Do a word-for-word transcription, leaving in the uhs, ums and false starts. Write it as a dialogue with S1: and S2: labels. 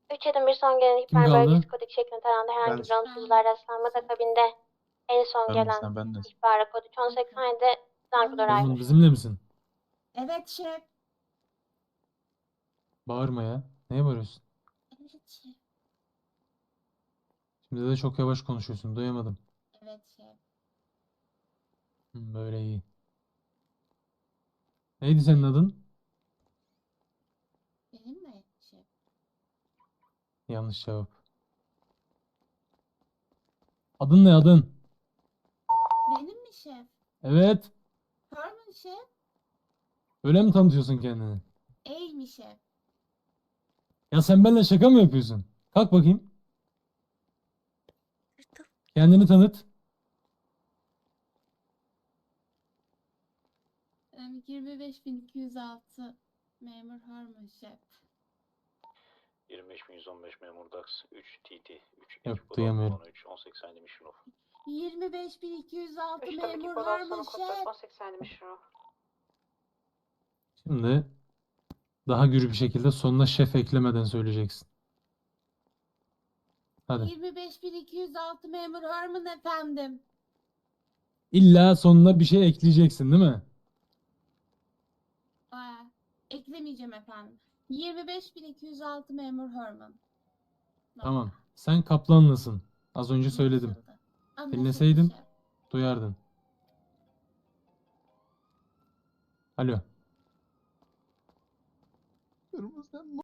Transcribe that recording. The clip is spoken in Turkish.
S1: üç adım bir son gelen
S2: Kim
S1: ihbar
S2: kaldı?
S1: bölgesi kodik şeklinde taranda herhangi bir
S3: Ben.
S1: olumsuzluğa rastlanmadı. Akabinde en son
S3: Ben
S1: gelen
S3: sen ben de.
S1: ihbara kod üç on seksen yedi Zankudo
S2: Orman
S1: Rider.
S2: bizimle misin?
S4: Evet şef.
S2: Bağırma ya. Neye bağırıyorsun?
S4: Evet şef.
S2: Şimdi de çok yavaş konuşuyorsun. Duyamadım.
S4: Evet şef.
S2: Hı, böyle iyi. Neydi senin adın?
S4: Benim mi şef?
S2: Yanlış cevap. Adın ne adın?
S4: Benim mi şef?
S2: Evet.
S4: Harmon şef.
S2: Öyle mi tanıtıyorsun kendini?
S4: Ey mi şef?
S2: Ya sen benimle şaka mı yapıyorsun? Kalk bakayım. Kendini tanıt.
S4: Em, yirmi beş bin iki yüz altı memur Harmon şef.
S5: yirmi beş bin yüz on beş memur Dax üç T T üç
S2: Yok,
S5: ekip
S2: duyamıyorum.
S5: on üç on seksen Mission of.
S4: yirmi beş bin iki yüz altı
S1: üç tabii ki
S4: memur
S1: kod
S4: Harmon
S1: altı kod
S4: şef.
S1: on seksen yedi Mission of.
S2: Şimdi daha gür bir şekilde sonuna şef eklemeden söyleyeceksin. Hadi.
S4: yirmi beş bin iki yüz altı memur Harmon efendim.
S2: İlla sonuna bir şey ekleyeceksin değil mi?
S4: Aa, eklemeyeceğim efendim. yirmi beş bin iki yüz altı memur Harmon.
S2: Tamam. Sen kaplanlısın. Az önce söyledim.
S4: Anlaşıldı. Anlaşıldı
S2: Dinleseydim
S4: şef.
S2: duyardın. Alo.
S3: Kırmızı